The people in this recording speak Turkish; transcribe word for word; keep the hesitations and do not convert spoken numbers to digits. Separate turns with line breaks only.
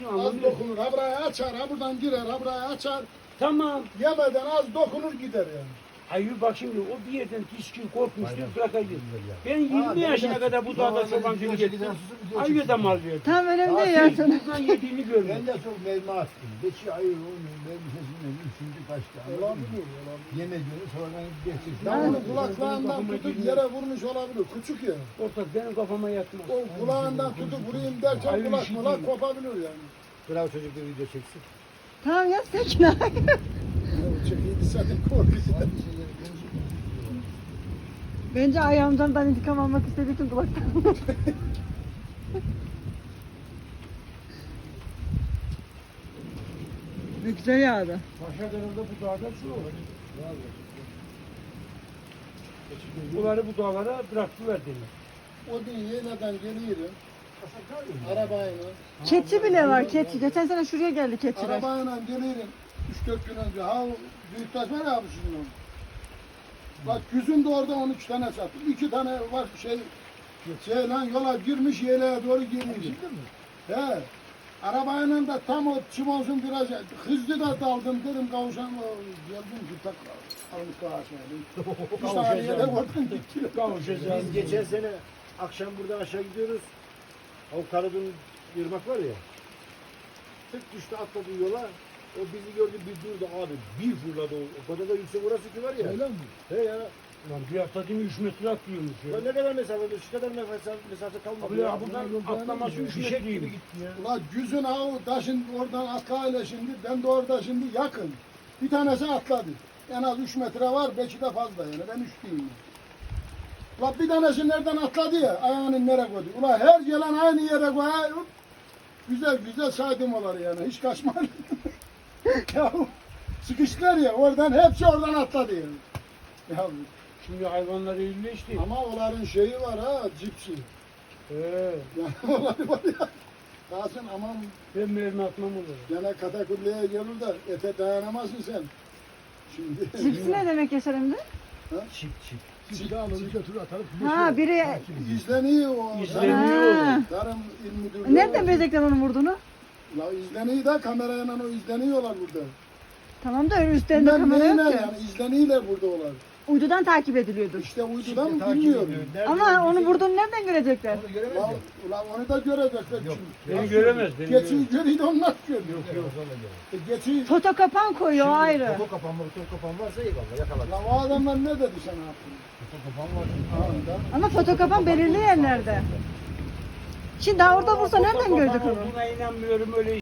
Az dokunur. Ha burayı açar, ha buradan girer, ha burayı açar.
Tamam.
Yemeden az dokunur gider yani.
Hayır bak şimdi o bir yerden tiskin korkmuştur bırakacak. Ben
Ha,
yirmi yaşına
devlet-
kadar bu dağda çobancılık ettim. Aynı da mal verdim.
Tam önemli değil
Daha
ya.
hiç buradan yediğini görmedim.
Ben de çok mermi attım. Beşi ayır onun mermisinin üçüncü kaçtı.
Olabilir, olabilir.
Yemediğini sonradan geçecek.
Ya onu kulaklarından tutup yere vurmuş olabilir. Küçük ya.
Ortak benim kafama yatmaz.
O kulağından tutup vurayım derken
Hayır,
kulak
işi
mulak
değil.
kopabilir yani.
Bravo çocuk bir video çeksin.
Tamam ya sakin ol.
Ya çekiydi senin korkusu.
Bence ayağımdan intikam almak istediği için kulaktan. Ne güzel yağdı.
Paşa Dağı'nda bu dağda şu olur. Bunları bu dağlara bıraktılar demek.
O din yeğleden geliyorum. Arabayla.
Keçi bile var keçi. Geçen sene şuraya geldi keçiler.
Arabayla gelirim. üç dört gün önce. Ha büyüktaş var ya abi sizin onun. Bak yüzünde orada on üç tane sattı. iki tane var şey şey lan yola girmiş yeleğe doğru girmiş. He. Arabayla da tam o çimonsun biraz hızlı da daldım dedim kavuşan geldim ki tak almış kavuşan. Bir saniyede vurdum gitti.
Kavuşacağız.
Biz geçen sene akşam buradan aşağı gidiyoruz. O Karadun Irmak var ya. Tık düştü atladı yola. O bizi gördü bir durdu abi. Bir fırladı o. O kadar da yüksek orası ki var ya.
Öyle mi?
He ya.
Lan bir hafta değil mi üç metre atlıyormuş ya.
Ya ne kadar mesafe? Şu kadar mesafe, mesafe kalmadı.
Abi ya buradan atlaması üç
Fişek gibi
metreymiş.
gitti ya.
Ulan yüzün ağı taşın oradan atlayla şimdi ben de orada şimdi yakın. Bir tanesi atladı. En az üç metre var belki de fazla yani ben üç diyeyim. Ulan bir tanesi nereden atladı ya ayağını nereye koydu. Ulan her gelen aynı yere koyuyor. Güzel güzel saydım onları yani hiç kaçmadı. Ya sıkıştılar ya oradan hepsi oradan atladı yani. Ya,
Şimdi hayvanlar iyileşti.
ama onların şeyi var ha cipsi.
He.
Yani onları var ya. Kalsın aman
Ben mermi atmam olur.
gene katakulleye gelirler. Ete dayanamazsın sen. Şimdi.
Cipsi ne demek Yaşar emmi?
Çip çip.
Çip alır götür atarıp.
Ha biri...
İzleniyor o.
İzleniyor.
Tarım- Tarım İl Müdürlüğü.
Nereden bilecekler onun vurduğunu?
La izleniyor da kamerayla o izleniyorlar burada.
Tamam da üstlerinde
Bilmem
kamera
neyle
yok ki.
yani izleniyorlar burada olar.
Uydudan takip ediliyordur.
İşte uydudan
Şimdi
mı
takip
bilmiyorum.
ediyor. Nerede
Ama
olduğunu
onu
bize-
vurduğunu nereden görecekler?
Onu göremez
Ulan,
ya.
ulan onu da görecekler.
Yok,
çünkü.
Beni göremez. Beni
Geçiyi
göremez.
görüyor da onlar görüyor.
Yok yok. Sonra göremez.
E, geçiyi.
Foto kapan koyuyor o ayrı.
Foto kapan var, foto kapan varsa eyvallah yakaladık.
La o adamlar ne dedi sana hakkında?
Foto kapan var.
Anında.
Ama foto kapan belirli yerlerde. Şimdi daha orada vursa nereden görecek onu?
Buna inanmıyorum öyle